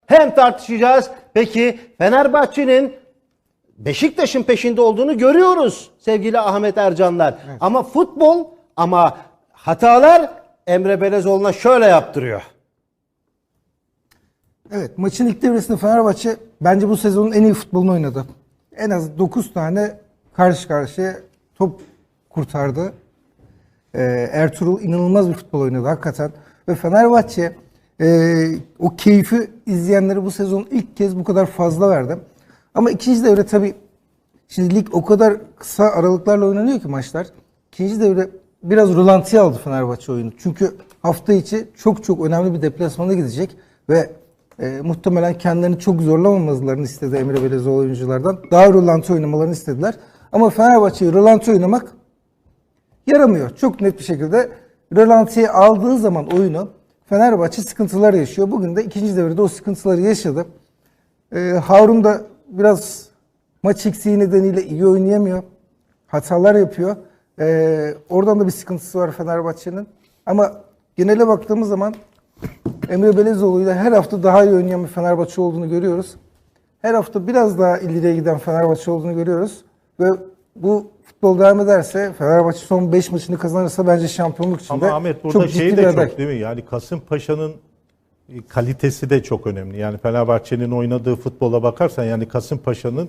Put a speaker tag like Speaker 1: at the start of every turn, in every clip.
Speaker 1: hem tartışacağız. Peki Fenerbahçe'nin Beşiktaş'ın peşinde olduğunu görüyoruz sevgili Ahmet Ercanlar. Evet. Ama futbol, ama hatalar Emre Belezoğlu'na şöyle yaptırıyor.
Speaker 2: Evet, maçın ilk devresinde Fenerbahçe bence bu sezonun en iyi futbolunu oynadı. En az 9 tane karşı karşıya top kurtardı. Ertuğrul inanılmaz bir futbol oynadı hakikaten. Ve Fenerbahçe o keyfi izleyenlere bu sezon ilk kez bu kadar fazla verdi. Ama ikinci devre tabii, şimdi lig o kadar kısa aralıklarla oynanıyor ki maçlar. İkinci devre biraz rölantiye aldı Fenerbahçe oyunu. Çünkü hafta içi çok önemli bir deplasmana gidecek ve muhtemelen kendilerini çok zorlamamalarını istedi Emre Belezoğlu oyunculardan. Daha rölanti oynamalarını istediler. Ama Fenerbahçe'yi rölanti oynamak yaramıyor. Çok net bir şekilde rölantiye aldığı zaman oyunu Fenerbahçe sıkıntılar yaşıyor. Bugün de ikinci devrede o sıkıntıları yaşadı. Harun da biraz maç eksiği nedeniyle iyi oynayamıyor. Hatalar yapıyor. Oradan da bir sıkıntısı var Fenerbahçe'nin. Ama genele baktığımız zaman Emre Belezoğlu'yla her hafta daha iyi oynayan bir Fenerbahçe olduğunu görüyoruz. Her hafta biraz daha ileriye giden Fenerbahçe olduğunu görüyoruz. Ve bu futbol devam ederse, Fenerbahçe son 5 maçını kazanırsa bence şampiyonluk içinde
Speaker 3: ama Ahmet burada
Speaker 2: çok
Speaker 3: şey
Speaker 2: ciddi
Speaker 3: de
Speaker 2: bir
Speaker 3: çok
Speaker 2: aday.
Speaker 3: değil mi? Yani Kasımpaşa'nın kalitesi de çok önemli. Yani Fenerbahçe'nin oynadığı futbola bakarsan, yani Kasımpaşa'nın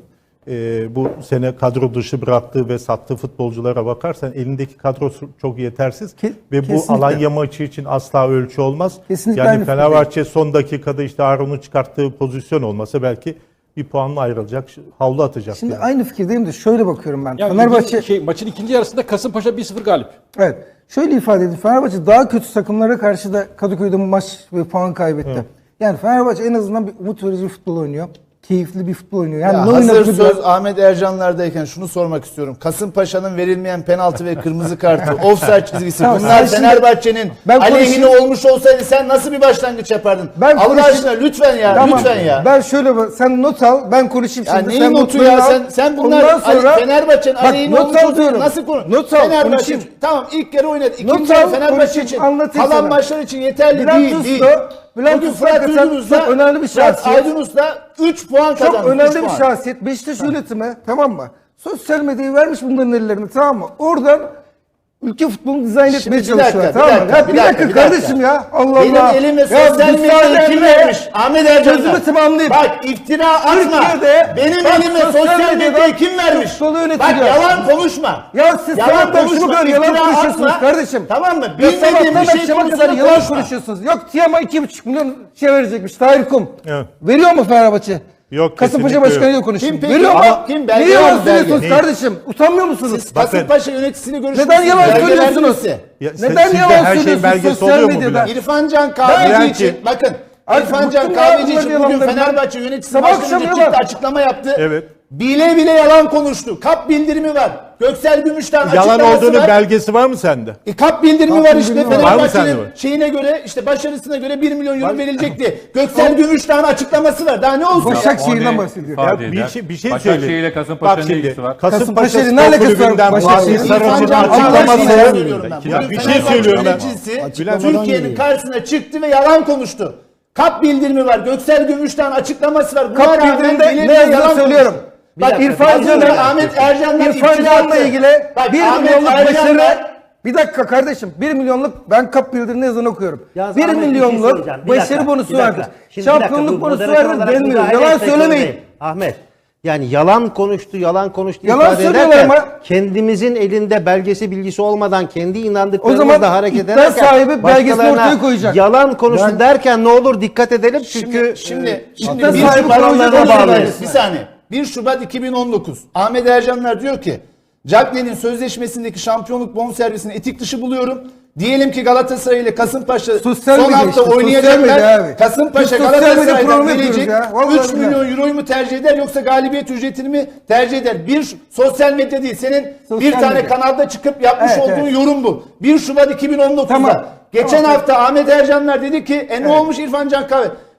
Speaker 3: bu sene kadro dışı bıraktığı ve sattığı futbolculara bakarsan elindeki kadro çok yetersiz ve bu
Speaker 2: Kesinlikle.
Speaker 3: Alanya maçı için asla ölçü olmaz.
Speaker 2: Kesinlikle
Speaker 3: Yani
Speaker 2: aynı
Speaker 3: Fenerbahçe son dakikada işte Harun'un çıkarttığı pozisyon olmasa belki bir puanla ayrılacak, havlu atacak.
Speaker 2: Şimdi
Speaker 3: yani.
Speaker 2: aynı fikirdeyim de şöyle bakıyorum ben.
Speaker 4: Yani
Speaker 2: Fenerbahçe
Speaker 4: maçın ikinci yarısında Kasımpaşa 1-0 galip.
Speaker 2: evet. Şöyle ifade edeyim. Fenerbahçe daha kötü takımlara karşı da Kadıköy'de maç ve puan kaybetti. Evet. Yani Fenerbahçe en azından bir umut verici bir futbol oynuyor. Keyifli bir futbol oynuyor. Yani
Speaker 5: Ya
Speaker 2: ne
Speaker 5: hazır
Speaker 2: oynadığı
Speaker 5: söz
Speaker 2: biraz-
Speaker 5: Ahmet Ercanlar'dayken şunu sormak istiyorum. Kasımpaşa'nın verilmeyen penaltı ve kırmızı kartı, offside çizgisi,
Speaker 2: Tamam,
Speaker 5: bunlar
Speaker 2: sen şimdi-
Speaker 5: Fenerbahçe'nin
Speaker 2: Ben
Speaker 5: aleyhine
Speaker 2: konuşayım.
Speaker 5: olmuş olsaydı sen nasıl bir başlangıç yapardın?
Speaker 2: Ben
Speaker 5: Allah
Speaker 2: konuşayım.
Speaker 5: aşkına lütfen ya,
Speaker 2: Tamam.
Speaker 5: lütfen ya.
Speaker 2: Ben şöyle sen not al, ben konuşayım
Speaker 5: Ya
Speaker 2: şimdi.
Speaker 5: neyin
Speaker 2: Sen
Speaker 5: notu
Speaker 2: notlarını
Speaker 5: ya?
Speaker 2: al.
Speaker 5: Sen bunlar
Speaker 2: Ondan sonra
Speaker 5: Fenerbahçe'nin
Speaker 2: Bak,
Speaker 5: aleyhine
Speaker 2: not
Speaker 5: olmuş
Speaker 2: al
Speaker 5: olsaydı
Speaker 2: diyorum.
Speaker 5: nasıl konu?
Speaker 2: Not al,
Speaker 5: Fenerbahçe
Speaker 2: konuşayım.
Speaker 5: tamam ilk yarı oynadı.
Speaker 2: Not
Speaker 5: İkinci yarı
Speaker 2: al,
Speaker 5: Fenerbahçe
Speaker 2: konuşayım,
Speaker 5: için
Speaker 2: anlatayım
Speaker 5: kalan
Speaker 2: sana.
Speaker 5: maçlar için yeterli
Speaker 2: Bülent
Speaker 5: değil.
Speaker 2: Usta, Bülent
Speaker 5: Bugün
Speaker 2: Usta
Speaker 5: Fırat
Speaker 2: hakikaten
Speaker 5: Aydınus'la
Speaker 2: çok önemli bir şahsiyet.
Speaker 5: Aydınus'la 3 puan kazandı.
Speaker 2: Çok önemli
Speaker 5: üç
Speaker 2: bir
Speaker 5: puan.
Speaker 2: şahsiyet. Beşiktaş yönetimi, tamam mı? Sosyal medyayı vermiş bunların ellerine, tamam mı? Oradan ülke futbolunu dizayn
Speaker 5: Şimdi
Speaker 2: etmeye
Speaker 5: bir dakika,
Speaker 2: çalışıyorlar.
Speaker 5: bir
Speaker 2: Tamam mı?
Speaker 5: dakika,
Speaker 2: Ya
Speaker 5: bir
Speaker 2: bir dakika
Speaker 5: dakika.
Speaker 2: kardeşim ya. Allah
Speaker 5: Benim
Speaker 2: Allah.
Speaker 5: elime
Speaker 2: Ya
Speaker 5: sosyal medyayı
Speaker 2: müsaadenle
Speaker 5: kim vermiş? Ahmet Ercanlar.
Speaker 2: Sözümü tamamlayayım.
Speaker 5: Bak iftira atma.
Speaker 2: Türkiye'de
Speaker 5: Benim
Speaker 2: bak,
Speaker 5: elime
Speaker 2: sosyal
Speaker 5: sosyal
Speaker 2: medyadan
Speaker 5: medyayı kim vermiş?
Speaker 2: futbolu yönetiliyor.
Speaker 5: Bak yalan konuşma.
Speaker 2: Ya siz
Speaker 5: Yalan
Speaker 2: sabahtan şunu
Speaker 5: konuşma,
Speaker 2: kadar yalan
Speaker 5: iftira
Speaker 2: konuşuyorsunuz
Speaker 5: atma.
Speaker 2: kardeşim.
Speaker 5: Tamam mı?
Speaker 2: Ya
Speaker 5: Bilmediğin
Speaker 2: sabahtan
Speaker 5: bir şey
Speaker 2: akşama kadar
Speaker 5: konusunda
Speaker 2: yalan
Speaker 5: konuşma.
Speaker 2: konuşuyorsunuz. Yok Tiam'a 2,5 milyon şey verecekmiş. Tahir Kum.
Speaker 3: Evet.
Speaker 2: Veriyor mu Fenerbahçe?
Speaker 3: Yok,
Speaker 2: Kasımpaşa
Speaker 3: kesinlikle
Speaker 2: başkanıyla
Speaker 3: yok.
Speaker 2: konuşayım.
Speaker 5: Kim peki?
Speaker 2: Veriyor mu?
Speaker 5: Ama kim? Belge
Speaker 2: Niye
Speaker 5: var
Speaker 2: yalan
Speaker 5: mı? Belge.
Speaker 2: söylüyorsunuz kardeşim? Utanmıyor musunuz?
Speaker 5: Kasımpaşa yöneticisiyle görüşmüşsünüz.
Speaker 2: Neden yalan
Speaker 5: Belgeler
Speaker 2: söylüyorsunuz?
Speaker 5: birisi.
Speaker 3: Ya
Speaker 2: Neden
Speaker 3: sizde
Speaker 2: yalan
Speaker 3: her şeyin
Speaker 2: söylüyorsunuz
Speaker 3: belgesi
Speaker 2: sosyal
Speaker 3: oluyor mu
Speaker 2: medyada?
Speaker 3: Bülent?
Speaker 5: İrfan Can Kahveci
Speaker 3: Bülent
Speaker 5: için
Speaker 3: ki-
Speaker 5: bakın.
Speaker 2: Artık
Speaker 5: İrfan Can
Speaker 2: bıktım ya
Speaker 5: Kahveci
Speaker 2: bunların
Speaker 5: için bugün
Speaker 2: yalanlarından.
Speaker 5: Fenerbahçe yöneticisi
Speaker 2: Sabah
Speaker 5: başkanı
Speaker 2: akşam
Speaker 5: çıktı
Speaker 2: yalan.
Speaker 5: açıklama yaptı.
Speaker 3: Evet.
Speaker 5: Bile bile yalan konuştu. Kap bildirimi var. Göksel Gümüş'ten
Speaker 3: Yalan
Speaker 5: açıklaması
Speaker 3: olduğunu
Speaker 5: var.
Speaker 3: belgesi var mı sende?
Speaker 5: Kap bildirimi var işte.
Speaker 2: bildirimi var.
Speaker 3: Var mı sende
Speaker 5: Fenerbahçe'nin
Speaker 3: bu?
Speaker 5: şeyine göre işte başarısına göre 1 milyon euro verilecekti. Göksel Gümüş'ten açıklaması var. Daha ne olsun?
Speaker 2: Başakşehir'den bahsediyor.
Speaker 3: Ya
Speaker 6: ifade
Speaker 3: bir
Speaker 6: eder.
Speaker 3: şey söyle.
Speaker 6: Başakşehir ile Kasımpaşa'nın ne ilgisi var?
Speaker 3: Kasımpaşa
Speaker 2: Kasımpaşa'nın ne
Speaker 3: Spor
Speaker 2: alakası var
Speaker 3: Kulübü'nden
Speaker 2: Başakşehir'in?
Speaker 3: Muhsin
Speaker 5: İrfan
Speaker 3: Sarıcı'nın
Speaker 5: Can
Speaker 3: açıklaması.
Speaker 5: Kahveci'yi söylüyorum ben.
Speaker 3: Ya
Speaker 5: Bugün
Speaker 3: bir şey
Speaker 5: Fenerbahçe
Speaker 3: söylüyorum ben.
Speaker 5: yöneticisi
Speaker 3: Bülent,
Speaker 5: Türkiye'nin karşısına çıktı ve yalan konuştu. Kap bildirimi var. Göksel Gümüş'ten açıklaması var. Buna
Speaker 2: Kap
Speaker 5: rağmen
Speaker 2: bildirimde
Speaker 5: bile
Speaker 2: ne
Speaker 5: bile
Speaker 2: yazdığını söylüyorum.
Speaker 5: konuştu.
Speaker 2: Bak
Speaker 1: dakika,
Speaker 2: İrfan
Speaker 5: Az önce
Speaker 2: Can'la
Speaker 5: Ahmet Ercanlar
Speaker 2: İrfan
Speaker 5: iftira
Speaker 2: Can'la
Speaker 5: attı.
Speaker 2: ilgili
Speaker 5: Bak,
Speaker 2: 1
Speaker 5: Ahmet
Speaker 2: milyonluk
Speaker 5: Ercanlar-
Speaker 2: başarı. Bir dakika kardeşim. 1 milyonluk ben kap bildirimini yazan okuyorum.
Speaker 1: Yalnız
Speaker 2: 1
Speaker 1: Ahmet, bir şey
Speaker 2: milyonluk
Speaker 1: söyleyeceğim. Bir
Speaker 2: başarı
Speaker 1: dakika,
Speaker 2: bonusu
Speaker 1: bir dakika.
Speaker 2: vardır.
Speaker 1: Şimdi bir dakika,
Speaker 2: Şampiyonluk
Speaker 1: bu
Speaker 2: bonusu
Speaker 1: moderatör
Speaker 2: vardır
Speaker 1: olarak
Speaker 2: denmiyor.
Speaker 1: müdahale
Speaker 2: Yalan
Speaker 1: etmek
Speaker 2: söylemeyin.
Speaker 1: zorundayım. Ahmet, yani yalan konuştu
Speaker 2: Yalan
Speaker 1: ifade
Speaker 2: söylüyorlar
Speaker 1: ederken
Speaker 2: ama-
Speaker 1: kendimizin elinde belgesi bilgisi olmadan kendi
Speaker 2: O zaman
Speaker 1: inandıklarımızla hareket
Speaker 2: iddia
Speaker 1: ederken
Speaker 2: sahibi belgesini
Speaker 1: başkalarına
Speaker 2: ortaya koyacak.
Speaker 1: yalan konuştu
Speaker 2: Ben-
Speaker 1: derken ne olur dikkat edelim çünkü
Speaker 5: Şimdi
Speaker 2: iddia
Speaker 5: 1
Speaker 2: sahibi
Speaker 5: Şubat
Speaker 2: kurallarına bağlıyız.
Speaker 5: bir saniye. 1 Şubat 2019. Ahmet Ercanlar diyor ki Cagney'in sözleşmesindeki şampiyonluk bonservisini etik dışı buluyorum. Diyelim ki Galatasaray ile Kasımpaşa
Speaker 2: Sosyal
Speaker 5: son
Speaker 2: medya
Speaker 5: hafta
Speaker 2: işte, sosyal medya
Speaker 5: oynayacaklar.
Speaker 2: abi.
Speaker 5: Kasımpaşa
Speaker 2: Biz sosyal medya
Speaker 5: Galatasaray'dan
Speaker 2: programı
Speaker 5: verecek
Speaker 2: yapıyoruz ya. Vallahi
Speaker 5: 3
Speaker 2: billahi.
Speaker 5: milyon euroyu mu tercih eder yoksa galibiyet ücretini mi tercih eder? Bir sosyal medya değil. Senin
Speaker 2: Sosyal
Speaker 5: bir tane
Speaker 2: medya.
Speaker 5: kanalda çıkıp yapmış
Speaker 2: Evet,
Speaker 5: olduğun
Speaker 2: evet.
Speaker 5: yorum bu. 1 Şubat 2019'da.
Speaker 2: Tamam.
Speaker 5: Geçen
Speaker 2: Tamam.
Speaker 5: hafta Ahmet Ercanlar dedi ki ne olmuş İrfan Can Kahve?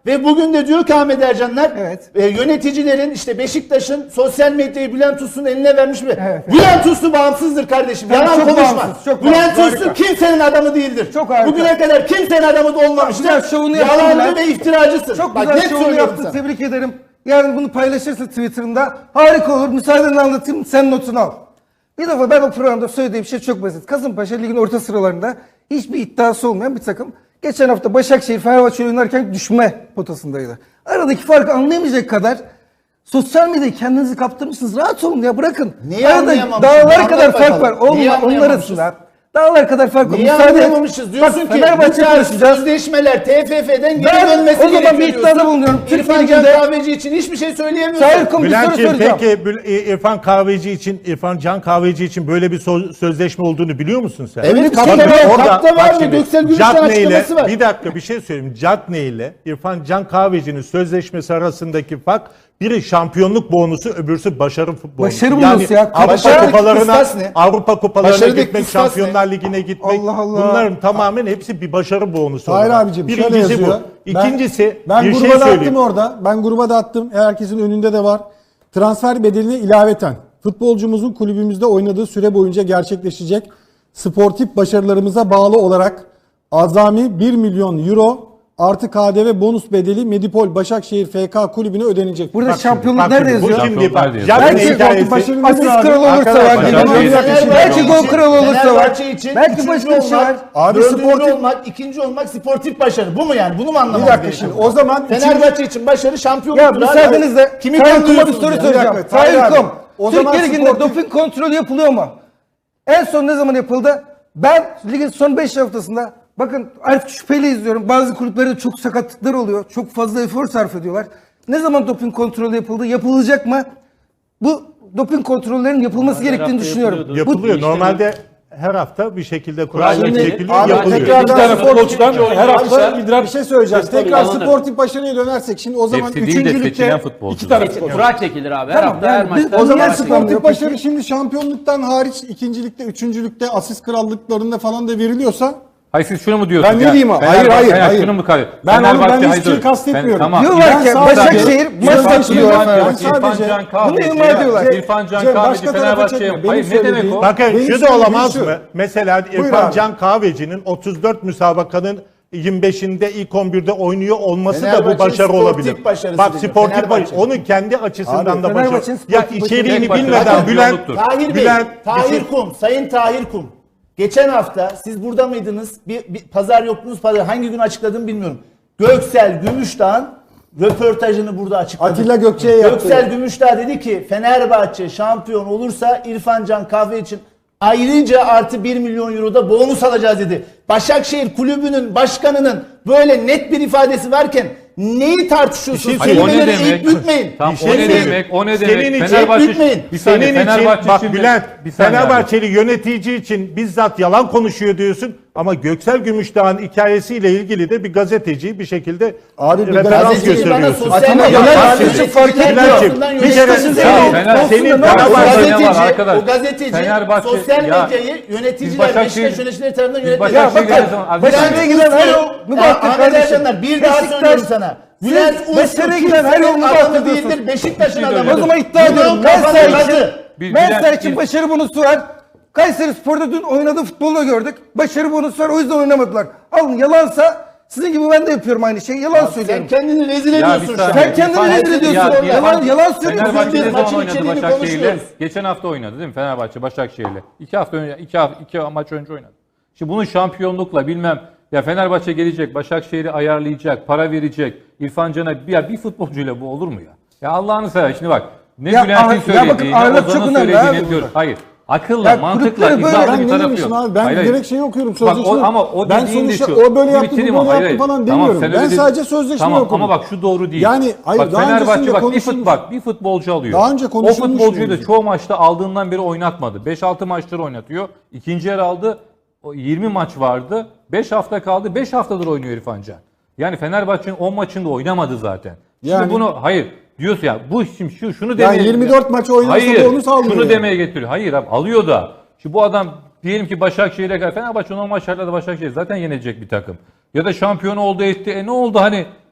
Speaker 5: Ve bugün de diyor ki Ahmet Ercanlar
Speaker 2: Evet.
Speaker 5: Yöneticilerin işte Beşiktaş'ın sosyal medyayı Bülent Uslu'nun eline vermiş mi?
Speaker 2: Evet.
Speaker 5: Bülent Uslu bağımsızdır kardeşim.
Speaker 2: Tabii,
Speaker 5: Yalan
Speaker 2: çok
Speaker 5: konuşma.
Speaker 2: bağımsız, çok
Speaker 5: Bülent
Speaker 2: bağımsız,
Speaker 5: Uslu
Speaker 2: harika.
Speaker 5: kimsenin adamı değildir.
Speaker 2: Çok harika.
Speaker 5: Bugüne kadar kimsenin adamı da olmamıştır.
Speaker 2: Güzel şovunu yaptın
Speaker 5: Yalancı
Speaker 2: Bülent.
Speaker 5: ve iftiracısın.
Speaker 2: Çok
Speaker 5: Bak,
Speaker 2: güzel
Speaker 5: net
Speaker 2: şovunu
Speaker 5: söylüyorum
Speaker 2: yaptın.
Speaker 5: sana.
Speaker 2: Tebrik ederim. Yarın bunu paylaşırsın Twitter'ında. Harika olur. Müsaadenle anlatayım. Sen notunu al. Bir defa ben o programda söylediğim şey çok basit. Kasımpaşa ligin orta sıralarında hiçbir iddiası olmayan bir takım. Geçen hafta Başakşehir Fenerbahçe oynarken düşme potasındaydı. Aradaki farkı anlayamayacak kadar sosyal medyayı kendinizi kaptırmışsınız. Rahat olun ya, bırakın.
Speaker 5: Niye
Speaker 2: Arada
Speaker 5: anlayamamışız?
Speaker 2: dağlar
Speaker 5: Anlat
Speaker 2: kadar fark var.
Speaker 5: bakalım. Niye
Speaker 2: Onlar
Speaker 5: anlayamamışız?
Speaker 2: arasında. Dağlar kadar fark var.
Speaker 5: Niye
Speaker 2: Müsaade et.
Speaker 5: anlayamamışız? Diyorsun
Speaker 2: Bak,
Speaker 5: ki
Speaker 2: Fenerbahçe
Speaker 5: bu tarz
Speaker 2: konuşacağız.
Speaker 5: sözleşmeler TFF'den geri
Speaker 2: Ben
Speaker 5: dönmesi
Speaker 2: o zaman
Speaker 5: gerekiyor
Speaker 2: bir iddiada
Speaker 5: diyorsun.
Speaker 2: bulunuyorum. Türk
Speaker 5: İrfan Can
Speaker 2: Ligi'nde-
Speaker 5: Kahveci için hiçbir şey söyleyemiyorsun.
Speaker 2: Tahir Kum, bir soru
Speaker 3: Bülent'ciğim
Speaker 2: soracağım.
Speaker 3: peki İrfan Kahveci için, İrfan Can Kahveci için böyle bir sözleşme olduğunu biliyor musun sen?
Speaker 5: Evet,
Speaker 3: Bak
Speaker 5: kapta var,
Speaker 3: orada-
Speaker 5: kapta var
Speaker 3: bak
Speaker 5: ve
Speaker 3: şimdi,
Speaker 5: Göksel Gümüş'ten
Speaker 3: Cagney ile-
Speaker 5: açıklaması var.
Speaker 3: Bir dakika bir şey söyleyeyim. Cagney ile İrfan Can Kahveci'nin sözleşmesi arasındaki fark, biri şampiyonluk bonusu, öbürsü başarı bonusu.
Speaker 2: Başarı bonusu ya.
Speaker 3: Avrupa
Speaker 5: Başarıdaki
Speaker 3: kupalarına,
Speaker 5: kıstas ne?
Speaker 3: Avrupa kupalarına
Speaker 5: Başarıdaki
Speaker 3: gitmek,
Speaker 5: kıstas ne?
Speaker 3: Şampiyonlar Ligi'ne gitmek.
Speaker 2: Allah Allah.
Speaker 3: Bunların tamamen hepsi bir başarı bonusu.
Speaker 7: Hayır
Speaker 3: olarak.
Speaker 7: abicim şöyle
Speaker 3: Birincisi
Speaker 7: yazıyor.
Speaker 3: bu. İkincisi
Speaker 7: ben
Speaker 3: bir
Speaker 7: gruba
Speaker 3: şey
Speaker 7: da attım
Speaker 3: söyleyeyim.
Speaker 7: orada. Ben gruba da attım. Herkesin önünde de var. Transfer bedeline ilaveten futbolcumuzun kulübümüzde oynadığı süre boyunca gerçekleşecek sportif başarılarımıza bağlı olarak azami 1 milyon euro artı KDV bonus bedeli Medipol Başakşehir FK kulübüne ödenecek.
Speaker 2: Burada
Speaker 3: Bak
Speaker 2: şampiyonluk
Speaker 3: bak
Speaker 2: nerede
Speaker 3: bu
Speaker 2: yazıyor?
Speaker 3: şimdi
Speaker 6: Şampiyonlar
Speaker 3: bak.
Speaker 6: diyor.
Speaker 3: Cagney
Speaker 2: Belki
Speaker 3: hikayesi.
Speaker 7: başarılı-
Speaker 2: asist kralı olursa var.
Speaker 3: Arkadaşlar,
Speaker 2: Belki gol kralı olursa var.
Speaker 5: Fenerbahçe için
Speaker 2: Belki
Speaker 5: üçüncü
Speaker 2: başka bir şey var.
Speaker 5: olmak,
Speaker 7: Abi
Speaker 5: dördüncü
Speaker 7: sportif-
Speaker 5: olmak, ikinci olmak sportif başarı. Bu mu yani? Bunu mu
Speaker 7: Bir
Speaker 5: anlamamız
Speaker 7: dakika
Speaker 5: gerekiyor?
Speaker 7: şimdi o zaman
Speaker 5: Fenerbahçe için başarı şampiyonluktur.
Speaker 2: Ya
Speaker 5: abi.
Speaker 2: müsaadenizle
Speaker 5: Kimi
Speaker 2: Tahir Kum'a bir
Speaker 5: kandırıyorsunuz
Speaker 2: soru
Speaker 5: ya?
Speaker 2: soracağım.
Speaker 7: Bir dakika, Tahir
Speaker 2: Tahir
Speaker 7: abi.
Speaker 2: Kum,
Speaker 7: O zaman
Speaker 2: Türkiye Ligi'nde
Speaker 7: sportif-
Speaker 2: doping kontrolü yapılıyor mu? En son ne zaman yapıldı? Ben ligin son 5 haftasında bakın artık şüpheyle izliyorum. Bazı kulüplerde çok sakatlıklar oluyor. Çok fazla efor sarf ediyorlar. Ne zaman doping kontrolü yapıldı? Yapılacak mı? Bu doping kontrollerinin yapılması gerektiğini düşünüyorum.
Speaker 3: Yapılıyor. Normalde her hafta bir şekilde kural
Speaker 7: Şimdi
Speaker 3: çekiliyor,
Speaker 7: abi
Speaker 3: yapılıyor.
Speaker 7: tekrardan
Speaker 4: İki tane
Speaker 7: sportif-
Speaker 4: futbolcudan her hafta idrar
Speaker 7: bir şey söyleyeceğiz.
Speaker 4: testleri
Speaker 7: Tekrar
Speaker 4: alınır.
Speaker 7: sportif başarıya dönersek şimdi o zaman
Speaker 6: Hepsi değil de
Speaker 7: 3. ligde
Speaker 6: seçilen futbolcu.
Speaker 4: İki tane futbolcu.
Speaker 8: Kura çekilir abi. Her
Speaker 2: Tamam,
Speaker 8: hafta her
Speaker 2: yani biz-
Speaker 8: maçta.
Speaker 7: o zaman
Speaker 2: Niye
Speaker 7: sportif
Speaker 2: açıklanmıyor
Speaker 7: başarı
Speaker 2: peki?
Speaker 7: şimdi şampiyonluktan hariç ikincilikte, üçüncülükte, asist krallıklarında falan da veriliyorsa
Speaker 6: Hayır siz şunu mu diyorsunuz?
Speaker 7: Ben ne diyeyim abi? Hayır, hayır.
Speaker 6: Şunu mu kalıyor?
Speaker 7: Ben onu- ben
Speaker 6: hayır,
Speaker 7: hiçbir şey
Speaker 6: dur.
Speaker 7: kastetmiyorum.
Speaker 6: Tamam.
Speaker 2: Diyorlar ki
Speaker 7: Ben
Speaker 2: Başakşehir
Speaker 7: sadece-
Speaker 2: maç
Speaker 7: Ben
Speaker 2: başlıyor.
Speaker 7: sadece-
Speaker 6: İrfan Can
Speaker 2: Bunu
Speaker 6: Kahveci.
Speaker 2: ima ediyorlar.
Speaker 6: İrfan Can
Speaker 7: Cem,
Speaker 6: Kahveci
Speaker 7: başka tarafa
Speaker 6: Fenerbahçe'ye.
Speaker 7: çekme. Benim
Speaker 6: Hayır ne demek
Speaker 7: söylediğim-
Speaker 6: o?
Speaker 3: Bakın
Speaker 7: Benim
Speaker 3: şu da
Speaker 7: söylediğim
Speaker 3: olamaz
Speaker 7: şu.
Speaker 3: mı? Mesela
Speaker 7: Buyur
Speaker 3: İrfan
Speaker 7: abi.
Speaker 3: Can Kahveci'nin 34 müsabakanın 25'inde ilk 11'de oynuyor olması da bu
Speaker 5: Fenerbahçe'nin
Speaker 3: başarı
Speaker 5: sportif
Speaker 3: olabilir.
Speaker 5: başarısı
Speaker 3: Bak
Speaker 5: dedi.
Speaker 3: sportif
Speaker 5: Fenerbahçe.
Speaker 3: başarı. Onu kendi açısından
Speaker 7: Abi,
Speaker 3: da başarı.
Speaker 2: Fenerbahçe'nin
Speaker 3: Ya
Speaker 2: sportif
Speaker 3: içeriğini
Speaker 6: başarısı
Speaker 3: bilmeden
Speaker 6: zaten
Speaker 3: Bülent
Speaker 6: yolculuktur.
Speaker 5: Tahir Bey,
Speaker 3: Bülent bir
Speaker 5: Tahir
Speaker 3: şey-
Speaker 5: Kum, Sayın Tahir Kum. Geçen hafta siz burada mıydınız? Bir pazar yoktunuz. Pazar hangi gün açıkladığımı bilmiyorum. Göksel Gümüşdağ'ın röportajını burada açıkladı.
Speaker 7: Atilla Gökçe'ye yaptı.
Speaker 5: Göksel Gümüşdağ dedi ki Fenerbahçe şampiyon olursa İrfan Can Kahve için ayrıca artı 1 milyon euro da bonus alacağız dedi. Başakşehir kulübünün başkanının böyle net bir ifadesi varken neyi tartışıyorsunuz?
Speaker 3: Bir şey
Speaker 6: Hayır, o ne
Speaker 5: Kelimeleri
Speaker 6: demek?
Speaker 5: eğip bükmeyin.
Speaker 6: Tamam
Speaker 3: Bir şey
Speaker 6: o ne
Speaker 3: söyleyeyim.
Speaker 6: demek? O ne
Speaker 3: Senin
Speaker 6: demek?
Speaker 3: için
Speaker 6: Fenerbahçe
Speaker 5: bitmeyin.
Speaker 6: bir saniye
Speaker 3: Senin için
Speaker 6: Fenerbahçe
Speaker 3: bak
Speaker 6: şimdi-
Speaker 3: Bülent,
Speaker 6: bir saniye abi.
Speaker 3: Fenerbahçeli yönetici için bizzat yalan konuşuyor diyorsun ama Göksel Gümüşdağ'ın hikayesiyle ilgili de bir gazeteci bir şekilde
Speaker 7: Abi bir
Speaker 3: referans
Speaker 5: Gazeteci bana
Speaker 3: gösteriyorsun.
Speaker 5: sosyal
Speaker 2: Atilla
Speaker 5: medyada
Speaker 2: Gökçe
Speaker 5: gazeteciler
Speaker 2: fark etmiyor.
Speaker 5: tarafından
Speaker 3: Bir kere
Speaker 5: yönetilen-
Speaker 3: senin
Speaker 6: Fenerbahçe-
Speaker 5: O
Speaker 3: Fenerbahçe
Speaker 6: ne var
Speaker 5: gazeteci,
Speaker 6: arkadaş?
Speaker 5: o gazeteci
Speaker 6: Fenerbahçe-
Speaker 5: sosyal
Speaker 6: ya,
Speaker 5: medyayı
Speaker 6: biz
Speaker 5: yöneticiler,
Speaker 6: Başakşehir-
Speaker 5: Beşiktaş yöneticileri tarafından
Speaker 6: biz
Speaker 5: yönetilen.
Speaker 6: Başakşehir
Speaker 2: bakın,
Speaker 6: ne zaman-
Speaker 2: Başakşehir'e giden her yol mübahtır
Speaker 5: Ahmet
Speaker 2: kardeşim.
Speaker 5: Ercanlar bir daha
Speaker 2: Beşiktaş-
Speaker 5: söylüyorum sana.
Speaker 2: Siz
Speaker 5: Bülent Uslu
Speaker 2: Başakşehir'e giden her yol
Speaker 5: kimsenin
Speaker 2: mübahtır
Speaker 5: adamı
Speaker 2: diyorsunuz.
Speaker 5: değildir. Beşiktaş'ın
Speaker 6: Bir şey
Speaker 5: adamıdır.
Speaker 2: O zaman iddia ediyorum.
Speaker 5: Bunun
Speaker 2: Mensa
Speaker 5: kafanı
Speaker 2: için,
Speaker 5: kazı.
Speaker 2: Mensa için başarı bonusu var. Kayseri Spor'da dün oynadığı futbolu gördük. Başarı bonusu var, o yüzden oynamadılar. Alın, yalansa sizin gibi ben de yapıyorum aynı şeyi. Yalan
Speaker 5: Sen
Speaker 2: söylüyorum.
Speaker 5: kendini rezil
Speaker 6: Ya
Speaker 5: ediyorsun
Speaker 6: bir
Speaker 5: şu an.
Speaker 6: saniye.
Speaker 2: Sen kendini
Speaker 6: İrfan-
Speaker 2: rezil ediyorsun.
Speaker 6: Ya
Speaker 2: Yalan-
Speaker 6: İrfan-
Speaker 2: yalan söylüyorsun.
Speaker 6: Fenerbahçe ne
Speaker 5: Biz
Speaker 6: zaman
Speaker 5: maçın
Speaker 6: oynadı
Speaker 5: içeriğini
Speaker 6: Başakşehir'le?
Speaker 5: konuşuyoruz.
Speaker 6: Geçen hafta oynadı değil mi Fenerbahçe Başakşehir'le? 2 hafta önce, iki maç önce oynadı. Şimdi bunun şampiyonlukla bilmem ya Fenerbahçe gelecek, Başakşehir'i ayarlayacak, para verecek. İrfan Can'a bir futbolcuyla bu olur mu ya? Ya Allah'ını sever şimdi bak. Ne
Speaker 2: Ya
Speaker 6: Bülent'in
Speaker 2: bakın,
Speaker 6: söylediği, ne
Speaker 2: ağırlık çok
Speaker 6: Ozan'ın
Speaker 2: önemli
Speaker 6: söylediğini
Speaker 2: abi
Speaker 6: diyor.
Speaker 2: burada.
Speaker 6: Hayır. Akılla,
Speaker 2: Ya
Speaker 6: mantıkla
Speaker 2: kulüpleri böyle-
Speaker 6: izahlı
Speaker 7: Ben
Speaker 6: bir
Speaker 7: ne
Speaker 6: tarafı
Speaker 7: demişim
Speaker 6: yok.
Speaker 7: abi? Ben
Speaker 6: Hayır,
Speaker 7: direkt şey okuyorum,
Speaker 6: Bak,
Speaker 7: sözleşme.
Speaker 6: ama o
Speaker 7: Ben
Speaker 6: dediğin de
Speaker 7: sonuçta
Speaker 6: şu.
Speaker 7: o böyle yaptı,
Speaker 6: Bitireyim
Speaker 7: bu
Speaker 6: ama,
Speaker 7: böyle
Speaker 6: hayır,
Speaker 7: yaptı falan
Speaker 6: tamam,
Speaker 7: demiyorum.
Speaker 6: sen
Speaker 7: Ben
Speaker 6: öyle
Speaker 7: sadece
Speaker 6: dedin.
Speaker 7: sözleşme
Speaker 6: Tamam,
Speaker 7: okudum.
Speaker 6: ama bak şu doğru değil.
Speaker 7: Yani, hayır,
Speaker 6: bak,
Speaker 7: daha
Speaker 6: Fenerbahçe
Speaker 7: öncesinde
Speaker 6: bak
Speaker 7: konuşulmuş.
Speaker 6: bir futbolcu alıyor.
Speaker 7: Daha önce
Speaker 6: o
Speaker 7: konuşulmuş
Speaker 6: futbolcuyu da
Speaker 7: mevzu.
Speaker 6: çoğu maçta aldığından beri oynatmadı. 5-6 maçları oynatıyor. İkinci yer aldı. O 20 maç vardı. 5 hafta kaldı. 5 haftadır oynuyor İrfan Can. Yani Fenerbahçe'nin 10 maçında oynamadı zaten. Şimdi
Speaker 7: Yani-
Speaker 6: bunu hayır diyorsun ya bu şimdi şunu demeye
Speaker 7: 24 maçı oynasa
Speaker 6: hayır,
Speaker 7: da onu sağlıyor
Speaker 6: şunu
Speaker 7: yani.
Speaker 6: demeye getiriyor. Hayır abi alıyor da. Şimdi bu adam diyelim ki Başakşehir'e kadar Fenerbahçe normal şartlarda Başakşehir zaten yenecek bir takım. Ya da şampiyon oldu etti. Ne oldu hani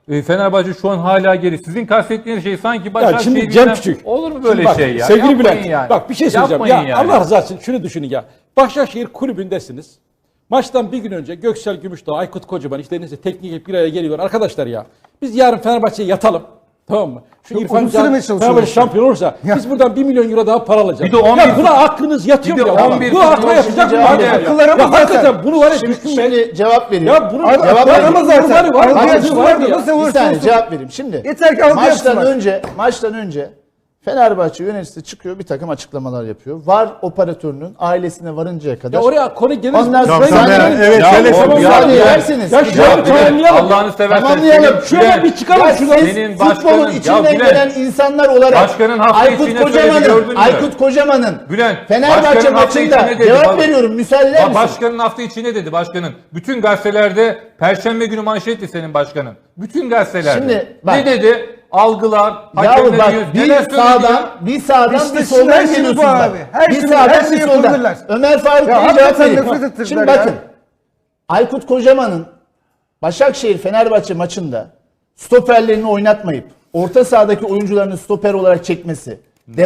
Speaker 6: Fenerbahçe şu an hala geri. Sizin kastettiğiniz şey sanki
Speaker 7: Ya
Speaker 6: Başakşehir
Speaker 7: şimdi
Speaker 6: bilmem-
Speaker 7: Cem Küçük.
Speaker 6: Olur mu böyle
Speaker 7: Şimdi bak,
Speaker 6: şey ya?
Speaker 7: Sevgili
Speaker 6: Yapmayın
Speaker 7: Bülent.
Speaker 6: yani.
Speaker 7: Bak bir şey söyleyeceğim.
Speaker 6: Yapmayın
Speaker 7: Ya
Speaker 6: yani.
Speaker 7: Allah rızası için şunu düşünün ya. Başakşehir kulübündesiniz. Maçtan bir gün önce Göksel Gümüşdağ, Aykut Kocaman işte neyse teknik hep bir araya geliyor. Arkadaşlar ya biz yarın Fenerbahçe'ye yatalım. Tamam mı? Şu
Speaker 2: Çok
Speaker 7: İrfan
Speaker 2: uzun
Speaker 7: Can
Speaker 2: sürmeye çalışıyoruz.
Speaker 7: Fenerbahçe şampiyon olursa biz buradan 1 milyon euro daha para alacağız.
Speaker 6: Bir de 11
Speaker 7: ya buna aklınız yatıyor
Speaker 6: bir
Speaker 7: mu
Speaker 6: de
Speaker 7: ya?
Speaker 6: 11
Speaker 7: Bu hata yapacak mı?
Speaker 5: Şimdi
Speaker 2: akıllarımız
Speaker 7: Ya
Speaker 2: zaten.
Speaker 7: hakikaten bunu var ya
Speaker 5: Şimdi,
Speaker 7: düşünmek.
Speaker 5: şimdi cevap vereyim.
Speaker 7: Ya bunu
Speaker 2: Abi,
Speaker 5: cevap
Speaker 2: akıllarımız
Speaker 5: vereyim.
Speaker 2: zaten.
Speaker 7: Var,
Speaker 2: Algı
Speaker 7: var,
Speaker 2: yapısı
Speaker 7: var
Speaker 2: vardır.
Speaker 7: ya.
Speaker 2: Nasıl
Speaker 5: Bir
Speaker 2: olursa
Speaker 5: saniye
Speaker 2: olsun.
Speaker 5: cevap vereyim. Şimdi
Speaker 2: Yeter ki algı yapsınlar.
Speaker 5: maçtan önce Fenerbahçe yöneticisi çıkıyor, bir takım açıklamalar yapıyor. VAR operatörünün ailesine varıncaya kadar.
Speaker 7: Ya oraya konu gelir.
Speaker 5: Ondan sonra
Speaker 3: Tamam, evet,
Speaker 6: Ya
Speaker 3: şöyle
Speaker 6: oğlum,
Speaker 3: söyleyeyim.
Speaker 5: müsaade
Speaker 6: ya,
Speaker 5: ederseniz.
Speaker 7: ya
Speaker 5: Bir
Speaker 7: şöyle
Speaker 5: cevap
Speaker 6: Ya
Speaker 5: vereyim.
Speaker 7: tamamlayalım.
Speaker 6: Allah'ını seversen.
Speaker 5: Tamamlayalım.
Speaker 7: Şöyle bir çıkalım
Speaker 5: Ya
Speaker 7: şuradan.
Speaker 6: Senin
Speaker 5: futbolun
Speaker 6: başkanın-
Speaker 5: içinden
Speaker 6: Ya Bülent,
Speaker 5: gelen insanlar olarak
Speaker 6: başkanın hafta
Speaker 5: Aykut
Speaker 6: içinde söylediğini gördün
Speaker 5: Kocaman'ın
Speaker 6: mü?
Speaker 5: Aykut Kocaman'ın
Speaker 6: Bülent,
Speaker 5: Fenerbahçe
Speaker 6: başkanın hafta
Speaker 5: maçında
Speaker 6: içinde dedi,
Speaker 5: cevap
Speaker 6: vallahi.
Speaker 5: veriyorum, müsaade eder misin?
Speaker 6: Başkanın hafta içi ne dedi başkanın? Bütün gazetelerde Perşembe günü manşetti senin başkanın. Bütün gazetelerde.
Speaker 5: Şimdi bak.
Speaker 6: ne dedi? Algılar,
Speaker 5: Yahu
Speaker 6: hakemler
Speaker 5: bak
Speaker 6: diyor.
Speaker 5: bir
Speaker 6: Neler söyledi
Speaker 5: sağdan
Speaker 6: ya?
Speaker 5: bir sağdan
Speaker 2: İşte
Speaker 5: bir
Speaker 2: şimdi
Speaker 5: soldan
Speaker 2: her şey bu
Speaker 5: geliyorsun
Speaker 2: abi.
Speaker 5: bak.
Speaker 2: Her
Speaker 5: Bir
Speaker 2: şey-
Speaker 5: sağdan
Speaker 2: her
Speaker 5: bir
Speaker 2: şeyi
Speaker 5: soldan.
Speaker 2: yapabilirler.
Speaker 5: Ömer Faruk
Speaker 2: Ya
Speaker 5: Bey'e
Speaker 2: hakikaten
Speaker 5: cevap vereyim.
Speaker 2: nefret ettirdiler
Speaker 5: Şimdi
Speaker 2: ya.
Speaker 5: bakın. Aykut Kocaman'ın Başakşehir Fenerbahçe maçında stoperlerini oynatmayıp orta sahadaki oyuncularını stoper olarak çekmesi,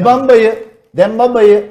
Speaker 5: Dembaba'yı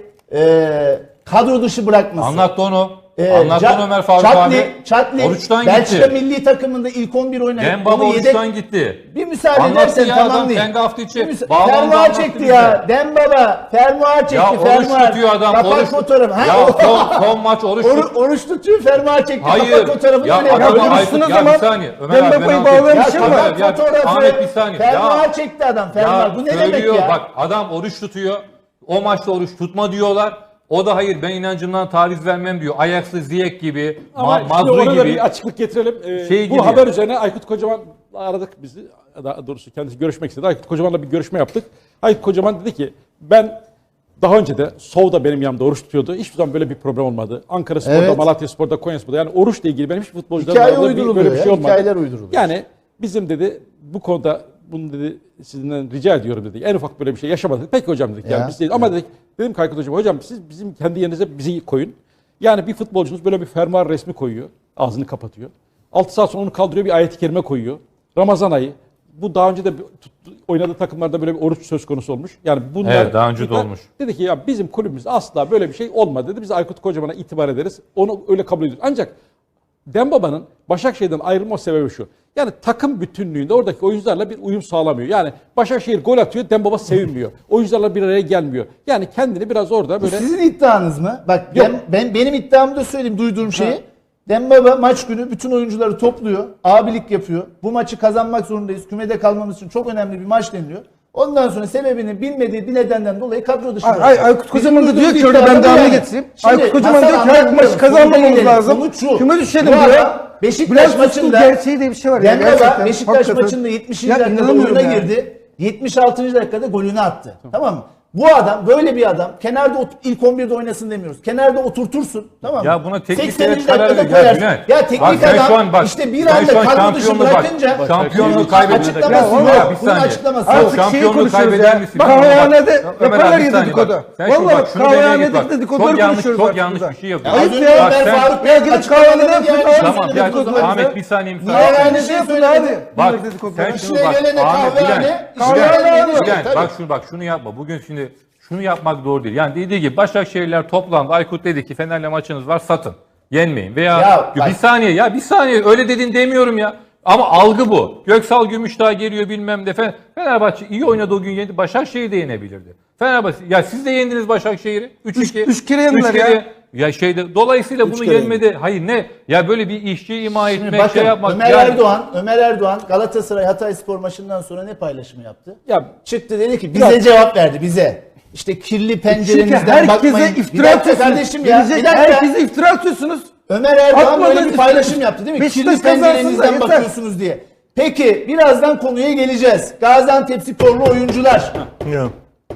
Speaker 5: kadro dışı bırakması.
Speaker 6: Anlattı onu. Anlattı onu Ömer Faruk
Speaker 5: Çatli,
Speaker 6: abi. Oruçtan
Speaker 5: Belçika
Speaker 6: gitti.
Speaker 5: milli takımında ilk 11 oynadı.
Speaker 6: Dembaba
Speaker 5: Onu yedek-
Speaker 6: oruçtan gitti.
Speaker 5: Bir müsaade
Speaker 6: Anlattı
Speaker 5: edersen
Speaker 6: ya adam,
Speaker 5: tamamlayayım.
Speaker 6: kendi hafta içi
Speaker 5: Bir
Speaker 6: bağlandı,
Speaker 5: fermuar
Speaker 6: anlattı
Speaker 5: çekti
Speaker 6: bize.
Speaker 5: ya. Dembaba fermuar çekti.
Speaker 6: Ya oruç
Speaker 5: fermuar.
Speaker 6: tutuyor adam.
Speaker 5: Kapak
Speaker 6: Oruç,
Speaker 5: fotoğrafı. Ha,
Speaker 6: ya
Speaker 5: o-
Speaker 6: son maç oruç tutuyor.
Speaker 5: Oruç tutuyor, fermuar çekti.
Speaker 6: Hayır.
Speaker 5: Kapak fotoğrafı
Speaker 6: Ya
Speaker 5: öyle
Speaker 6: adamı
Speaker 5: yapıyor.
Speaker 6: Aykut
Speaker 2: Dursun'un
Speaker 6: ya
Speaker 2: zaman
Speaker 6: bir saniye. Ömer abi
Speaker 2: Dembaba'yı
Speaker 6: ben
Speaker 2: bağlayan
Speaker 6: anlatayım.
Speaker 2: bir şey
Speaker 5: Ya
Speaker 2: var.
Speaker 5: kapak
Speaker 6: Ya,
Speaker 5: fotoğrafı.
Speaker 6: Ahmet bir saniye.
Speaker 5: Fermuar çekti adam. Fermuar. Bu ne demek
Speaker 6: söylüyor,
Speaker 5: ya?
Speaker 6: Bak adam oruç tutuyor. O maçta oruç tutma diyorlar. O da hayır ben inancımdan taviz vermem diyor. Ajax'lı Ziyech gibi,
Speaker 7: Ama şimdi
Speaker 6: Mazrui
Speaker 7: ona da
Speaker 6: gibi.
Speaker 7: bir açıklık getirelim.
Speaker 6: Şey
Speaker 7: Bu
Speaker 6: gibi
Speaker 7: haber
Speaker 6: yani.
Speaker 7: üzerine Aykut Kocaman aradık bizi. Daha doğrusu kendisi görüşmek istedi. Aykut Kocaman'la bir görüşme yaptık. Aykut Kocaman dedi ki ben daha önce de Sov'da benim yanımda oruç tutuyordu. Hiçbir zaman böyle bir problem olmadı. Ankara Spor'da,
Speaker 5: Evet.
Speaker 7: Malatya Spor'da, Konya Spor'da yani oruçla ilgili benim hiç futbolcularla
Speaker 5: Hikaye
Speaker 7: arasında
Speaker 5: uyduruluyor
Speaker 7: böyle bir
Speaker 5: ya,
Speaker 7: şey olmadı.
Speaker 5: hikayeler uyduruluyor.
Speaker 7: Yani bizim dedi bu konuda bunu dedi sizden rica ediyorum dedi. En ufak böyle bir şey yaşamadık. Peki hocam dedik. Yani
Speaker 5: Ya.
Speaker 7: biz dedik. Ama dedim ki Aykut hocam hocam siz bizim kendi yerinize bizi koyun. Yani bir futbolcunuz böyle bir fermuar resmi koyuyor. Ağzını kapatıyor. 6 saat sonra onu kaldırıyor bir ayet-i kerime koyuyor. Ramazan ayı. Bu daha önce de oynadığı takımlarda böyle bir oruç söz konusu olmuş. Yani bunlar
Speaker 6: Evet, daha önce de olmuş.
Speaker 7: Dedi ki ya bizim kulübümüz asla böyle bir şey olmadı dedi. Biz Aykut Kocaman'a itibar ederiz. Onu öyle kabul ediyoruz. Ancak Dembaba'nın Başakşehir'den ayrılma sebebi şu. Yani takım bütünlüğünde oradaki oyuncularla bir uyum sağlamıyor. Yani Başakşehir gol atıyor, Dembaba sevinmiyor. Oyuncularla bir araya gelmiyor. Yani kendini biraz orada böyle...
Speaker 5: Sizin iddianız mı? Bak
Speaker 7: Yok.
Speaker 5: benim iddiamı da söyleyeyim duyduğum şeyi. Dembaba maç günü bütün oyuncuları topluyor. Abilik yapıyor. Bu maçı kazanmak zorundayız. Kümede kalmamız için çok önemli bir maç deniliyor. Ondan sonra sebebini bilmediği bir nedenden dolayı kadro dışı bırakıyor.
Speaker 2: Aykut Kocaman da
Speaker 5: Bizim
Speaker 2: diyor ki
Speaker 5: duyduğumuz
Speaker 2: orada ben
Speaker 5: iddia bu
Speaker 2: devamını
Speaker 5: yani.
Speaker 2: getireyim.
Speaker 5: Şimdi
Speaker 2: Aykut Kocaman
Speaker 5: masal
Speaker 2: diyor ki her maçı
Speaker 5: anlatmıyorum.
Speaker 2: kazanmamamız
Speaker 5: Konuya gelelim.
Speaker 2: lazım.
Speaker 5: Sonuç şu.
Speaker 2: Küme düşelim
Speaker 5: Bu
Speaker 2: diyor.
Speaker 5: adam Beşiktaş
Speaker 2: Bülent Fıstık
Speaker 5: maçında
Speaker 2: gerçeği diye bir şey var ya,
Speaker 5: Dembaba
Speaker 2: gerçekten.
Speaker 5: Beşiktaş
Speaker 2: Hakikaten.
Speaker 5: maçında 70.
Speaker 2: Ya
Speaker 5: dakikada
Speaker 2: inanamıyorum
Speaker 5: oyuna
Speaker 2: ya.
Speaker 5: girdi. 76. dakikada golünü attı. Tamam mı? Bu adam böyle bir adam kenarda ilk 11'de oynasın demiyoruz. Kenarda oturtursun. Tamam mı?
Speaker 6: Ya buna teknik
Speaker 5: 80.
Speaker 6: direktör karar
Speaker 5: dakikada
Speaker 6: veriyor. Ya
Speaker 5: koyarsın.
Speaker 6: Bülent,
Speaker 5: Ya teknik
Speaker 6: bak sen
Speaker 5: adam
Speaker 6: şu an bak,
Speaker 5: işte bir
Speaker 6: sen
Speaker 5: anda
Speaker 6: şu an
Speaker 5: kadro dışı
Speaker 6: şampiyonluğu bak,
Speaker 5: bırakınca
Speaker 6: şampiyonluğu
Speaker 5: bunun
Speaker 6: kaybediyor.
Speaker 5: açıklaması
Speaker 6: Ya,
Speaker 5: yok.
Speaker 6: bir
Speaker 5: Bunun
Speaker 6: saniye.
Speaker 5: açıklaması
Speaker 6: Yok,
Speaker 5: yok.
Speaker 6: şampiyonluğu kaybeder misin?
Speaker 2: Bak
Speaker 6: Bak,
Speaker 2: kahvehanede
Speaker 6: Ömer abi,
Speaker 2: yaparlar
Speaker 6: bir
Speaker 2: ya
Speaker 6: saniye
Speaker 2: dedikodu.
Speaker 6: bak. Sen şimdi
Speaker 2: Vallahi
Speaker 6: bak şunu demeye git
Speaker 2: kahvehanede
Speaker 6: bak.
Speaker 2: dedikoduları
Speaker 6: Çok yanlış,
Speaker 2: konuşuyoruz
Speaker 6: çok
Speaker 2: artık
Speaker 6: yanlış
Speaker 2: burada.
Speaker 6: bir şey yapıyor.
Speaker 5: Az
Speaker 2: Ayıp
Speaker 5: önce
Speaker 2: ya.
Speaker 6: Bak
Speaker 5: Ömer
Speaker 6: sen-
Speaker 5: Faruk Bey
Speaker 2: Ya gidip
Speaker 5: açıklamalarını
Speaker 2: kahvehanede
Speaker 5: yani
Speaker 2: yapın.
Speaker 6: Tamam ya
Speaker 2: Dedikoduları
Speaker 6: Ahmet
Speaker 2: bize.
Speaker 6: bir saniye
Speaker 5: Niye
Speaker 6: müsaade.
Speaker 5: yani?
Speaker 2: Kahvehanede yapın abi.
Speaker 6: Bak
Speaker 2: Bunlar dedikoduları.
Speaker 6: sen
Speaker 5: İşine
Speaker 6: şunu bak
Speaker 5: gelene
Speaker 6: Ahmet
Speaker 5: kahvehane,
Speaker 6: Bülent.
Speaker 5: işine gelene
Speaker 6: Bülent
Speaker 5: tabii.
Speaker 6: bak şunu yapma. Bugün şimdi şunu yapmak doğru değil. Yani dediği gibi Başakşehirler toplandı. Aykut dedi ki Fener'le maçınız var satın. Yenmeyin. Veya
Speaker 5: Ya bak-
Speaker 6: bir saniye öyle dedin demiyorum ya. Ama algı bu. Göksal Gümüşdağ geliyor bilmem ne. Fenerbahçe iyi oynadı o gün yendi. Başakşehir de yenebilirdi. Fenerbahçe ya siz de yendiniz Başakşehir'i. 3-2.
Speaker 2: Üç kere yendiler ya.
Speaker 6: Ya dolayısıyla bunu
Speaker 5: kere
Speaker 6: yenmedi. Hayır ne? Ya böyle bir işçi ima etmek,
Speaker 5: Bakın
Speaker 6: şey yapmak.
Speaker 5: Ömer Erdoğan Galatasaray Hatayspor maçından sonra ne paylaşımı yaptı?
Speaker 7: Ya
Speaker 5: Çıktı dedi ki bize cevap verdi bize. İşte kirli
Speaker 2: Çünkü
Speaker 5: pencerenizden bakmayın.
Speaker 2: herkese
Speaker 5: Bir
Speaker 2: iftira
Speaker 5: dakika
Speaker 2: atıyorsunuz.
Speaker 5: kardeşim ya. Bir
Speaker 2: Gelecek
Speaker 5: dakika.
Speaker 2: herkese iftira atıyorsunuz.
Speaker 5: Ömer Erdoğan
Speaker 2: Atmadınız
Speaker 5: böyle bir
Speaker 2: işte.
Speaker 5: paylaşım yaptı değil mi?
Speaker 2: Beşiktaş
Speaker 5: Kirli
Speaker 2: kazansın da
Speaker 5: pencerenizden
Speaker 2: yeter.
Speaker 5: bakıyorsunuz diye. Peki birazdan konuya geleceğiz. Gaziantepsporlu oyuncular.
Speaker 3: Ya.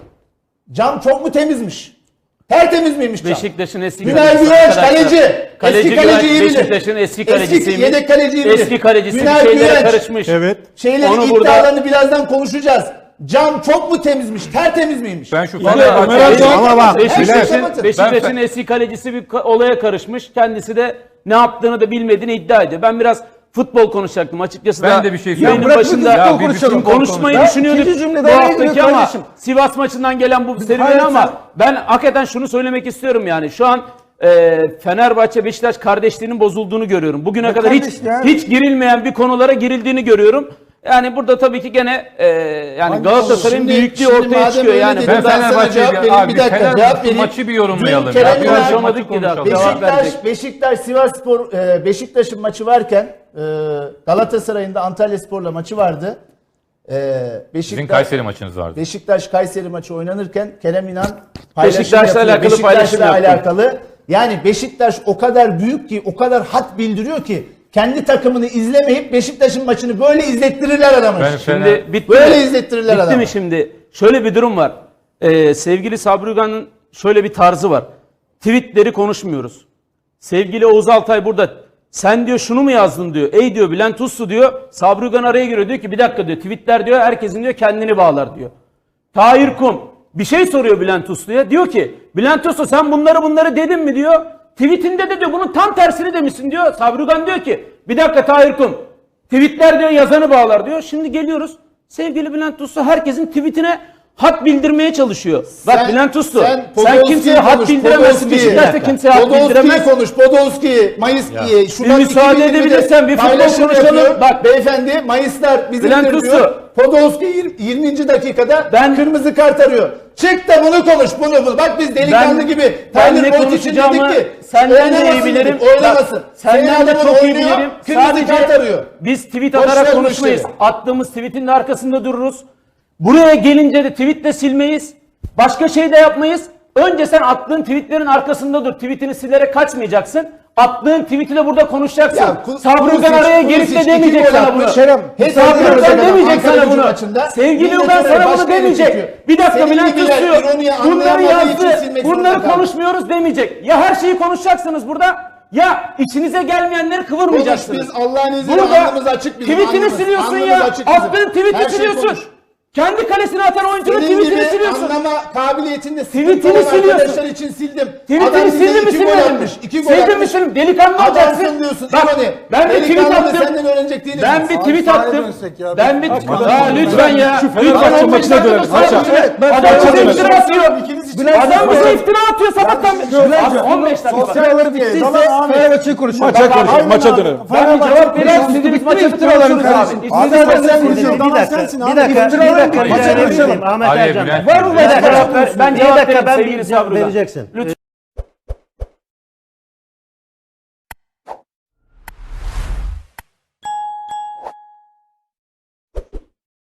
Speaker 5: Cam çok mu temizmiş? Tertemiz miymiş cam?
Speaker 8: Beşiktaş'ın eski
Speaker 5: Günay
Speaker 8: kalecisi
Speaker 5: Güvenç
Speaker 8: arkadaşlar.
Speaker 5: kaleci. Eski kaleciyi bilir.
Speaker 8: Beşiktaş'ın eski kalecisiymiş.
Speaker 5: yedek kaleciyi bilir.
Speaker 8: Eski kalecisi bir
Speaker 5: Günay
Speaker 8: şeylere
Speaker 5: Güvenç.
Speaker 8: karışmış.
Speaker 3: Evet.
Speaker 5: Şeyleri
Speaker 8: Onu burada-
Speaker 5: iddialarını birazdan konuşacağız. Cam çok mu temizmiş? Tertemiz miymiş?
Speaker 6: Ben şu
Speaker 7: Ömer
Speaker 6: Fenerbahçe
Speaker 7: Erdoğan-
Speaker 3: Ama bak
Speaker 8: Beşiktaş'ın
Speaker 6: Ben-
Speaker 8: eski kalecisi bir olaya karışmış. Kendisi de ne yaptığını da bilmediğini iddia ediyor. Ben biraz futbol konuşacaktım açıkçası.
Speaker 6: Ben
Speaker 8: da
Speaker 6: de bir şey
Speaker 8: yayının
Speaker 6: söyleyeyim.
Speaker 8: başında
Speaker 6: Ya bir konuşalım.
Speaker 8: konuşmayı
Speaker 2: Ya,
Speaker 8: düşünüyorduk
Speaker 2: ikinci cümlede
Speaker 8: bu
Speaker 2: araya
Speaker 8: haftaki
Speaker 2: girin
Speaker 8: ama
Speaker 2: kardeşim.
Speaker 8: Sivas maçından gelen bu serüveni
Speaker 2: Hayır,
Speaker 8: ama
Speaker 2: sen-
Speaker 8: ben hakikaten şunu söylemek istiyorum yani. Şu an Fenerbahçe Beşiktaş kardeşliğinin bozulduğunu görüyorum. Bugüne
Speaker 2: Ne
Speaker 8: kadar
Speaker 2: kardeş ya?
Speaker 8: hiç girilmeyen bir konulara girildiğini görüyorum. Yani burada tabii ki gene yani Galatasaray'ın büyüklüğü ortaya
Speaker 5: madem
Speaker 8: çıkıyor
Speaker 5: öyle
Speaker 8: yani.
Speaker 5: dedin,
Speaker 6: Ben
Speaker 5: ben sana
Speaker 6: Fenerbahçe'ye
Speaker 5: cevap vereyim.
Speaker 6: abi
Speaker 5: Bir dakika,
Speaker 6: Fener
Speaker 5: cevap vereyim.
Speaker 6: maçı bir yorumlayalım
Speaker 5: Dün
Speaker 6: ya.
Speaker 5: Kerem
Speaker 6: Bir
Speaker 5: İnan-
Speaker 6: konuşamadık ki daha.
Speaker 8: Cevap verecek.
Speaker 5: Beşiktaş Sivasspor Beşiktaş'ın maçı varken Galatasaray'ın da Antalyaspor'la maçı vardı.
Speaker 6: Sizin Kayseri maçınız vardı.
Speaker 5: Beşiktaş Kayseri maçı oynanırken Kerem İnan paylaşım
Speaker 8: Beşiktaş'la
Speaker 5: yapıyor.
Speaker 8: alakalı paylaşım yaptı.
Speaker 5: alakalı. Yani Beşiktaş o kadar büyük ki, o kadar hat bildiriyor ki kendi takımını izlemeyip Beşiktaş'ın maçını böyle izlettirirler adamı.
Speaker 6: Ben
Speaker 8: Şimdi bitti
Speaker 5: Böyle
Speaker 8: mi?
Speaker 5: izlettirirler
Speaker 8: Bitti
Speaker 5: adamı.
Speaker 8: mi şimdi? Şöyle bir durum var. Sevgili Sabri Ugan'ın şöyle bir tarzı var. Tweetleri konuşmuyoruz. Sevgili Oğuz Altay burada. Sen diyor şunu mu yazdın diyor. Ey diyor Bülent Uslu diyor. Sabri Ugan araya giriyor diyor ki bir dakika diyor. Tweetler diyor herkesin diyor kendini bağlar diyor. Tahir Kum bir şey soruyor Bülent Uslu'ya. Diyor ki Bülent Uslu sen bunları dedin mi diyor. Tweetinde de diyor bunun tam tersini demişsin diyor. Sabri Ugan diyor ki bir dakika Tahir Kum. Tweetler diyor yazanı bağlar diyor. Şimdi geliyoruz. Sevgili Bülent Uslu herkesin tweetine hat bildirmeye çalışıyor. Bak Bülent Uslu sen kimseye hat bildiremezsin. Beşiktaş'ta kimseye hat bildiremez.
Speaker 5: Podolski, Mayıs, Şubat
Speaker 8: Bir müsaade
Speaker 5: 2020'de
Speaker 8: edebilirsen bir futbol
Speaker 5: paylaşım
Speaker 8: konuşalım.
Speaker 5: yapıyor.
Speaker 8: Bak.
Speaker 5: Beyefendi Mayıslar bizimdir
Speaker 8: Bülent
Speaker 5: diyor.
Speaker 8: Uslu.
Speaker 5: Podolski 20. dakikada
Speaker 8: Ben-
Speaker 5: kırmızı kart arıyor. Çık da bunu konuş bunu. Bak biz delikanlı gibi.
Speaker 8: Ben
Speaker 5: Tyler
Speaker 8: ne
Speaker 5: Boyd için dedik
Speaker 8: konuşacağımı
Speaker 5: ki
Speaker 8: senden de iyi
Speaker 5: oynamasın
Speaker 8: bilirim.
Speaker 5: dedik, oynamasın.
Speaker 8: Bak, senden de
Speaker 5: Senin
Speaker 8: çok iyi
Speaker 5: oynuyor,
Speaker 8: bilirim.
Speaker 5: Kırmızı kart arıyor.
Speaker 8: Biz tweet
Speaker 5: Boş ver
Speaker 8: atarak
Speaker 5: bu
Speaker 8: konuşmayız.
Speaker 5: işleri.
Speaker 8: Attığımız tweetin de arkasında dururuz. Buraya gelince de tweet de silmeyiz. Başka şey de yapmayız. Önce sen attığın tweetlerin arkasında dur. Tweetini silerek kaçmayacaksın. Attığın tweet'i de burada konuşacaksın. Sabri Ugan araya gelip de demeyecek sana bunu. Sabri Ugan demeyecek sana bunu. Sevgili Ugan sana bunu demeyecek. Bir dakika Bülent Uslu bunları yazdı. Bunları konuşmuyoruz demeyecek. Ya her şeyi konuşacaksınız burada ya içinize gelmeyenleri kıvırmayacaksınız.
Speaker 5: Biz Allah'ın izniyle
Speaker 8: Burada
Speaker 5: alnımız açık bizim.
Speaker 8: tweetini
Speaker 5: alnımız.
Speaker 8: siliyorsun
Speaker 5: Alnımız
Speaker 8: ya.
Speaker 5: açık bizim.
Speaker 8: Attığın
Speaker 5: Her
Speaker 8: tweet'i
Speaker 5: şeyi
Speaker 8: siliyorsun.
Speaker 5: konuş.
Speaker 8: Kendi kalesine atan oyuncunun
Speaker 5: Senin
Speaker 8: tweetini
Speaker 5: gibi
Speaker 8: siliyorsun.
Speaker 5: anlama kabiliyetinde
Speaker 8: Tweetini
Speaker 5: sıkıntı olan
Speaker 8: siliyorsun.
Speaker 5: arkadaşlar için sildim.
Speaker 8: Tweetini
Speaker 5: Adam bize
Speaker 8: sildin mi
Speaker 5: 2 gol
Speaker 8: silmedin mi?
Speaker 5: atmış. 2 gol
Speaker 8: Sildin mi
Speaker 5: atmış.
Speaker 8: silmedin? Delikanlı olacaksın.
Speaker 5: Adamsın diyorsun.
Speaker 8: Bak
Speaker 5: İmani.
Speaker 8: ben bir tweet
Speaker 5: Delikanlı da
Speaker 8: attım.
Speaker 5: senden öğrenecek değiliz.
Speaker 8: Ben bir tweet
Speaker 2: sahaya
Speaker 8: attım.
Speaker 2: dönsek ya.
Speaker 8: Ben bir lütfen ya.
Speaker 7: Şu
Speaker 8: Lütfen
Speaker 7: Fenerbahçe
Speaker 8: 15
Speaker 7: maçına
Speaker 8: dakika
Speaker 7: dönelim.
Speaker 8: sonra
Speaker 7: Maça.
Speaker 8: evet,
Speaker 2: Ben
Speaker 8: adam
Speaker 2: maça
Speaker 8: bize
Speaker 2: dönelim.
Speaker 8: iftira atıyor. Adam bize iftira atıyor sabahtan beri. Abi 15 dakika.
Speaker 2: Sosyaları bittiyse Fenerbahçe'yi konuşalım.
Speaker 7: Maça dönelim.
Speaker 8: Ben bir cevap vereyim. İstediğimiz maçı konuşuruz abi. İstediğiniz maçı
Speaker 2: sen
Speaker 8: konuşuruz.
Speaker 2: konuşuyorsun.
Speaker 1: Bir dakika.
Speaker 2: Maça
Speaker 1: Rica
Speaker 2: konuşalım.
Speaker 1: edebilirim. Ahmet
Speaker 6: Araya
Speaker 1: Ercan.
Speaker 6: Bülent
Speaker 1: Var mı?
Speaker 6: girdi.
Speaker 8: Ben cevap
Speaker 1: Bir dakika
Speaker 8: vereyim
Speaker 1: ben
Speaker 8: sevgili
Speaker 1: bir cevap
Speaker 8: Sabri Ugan.
Speaker 1: vereceksin.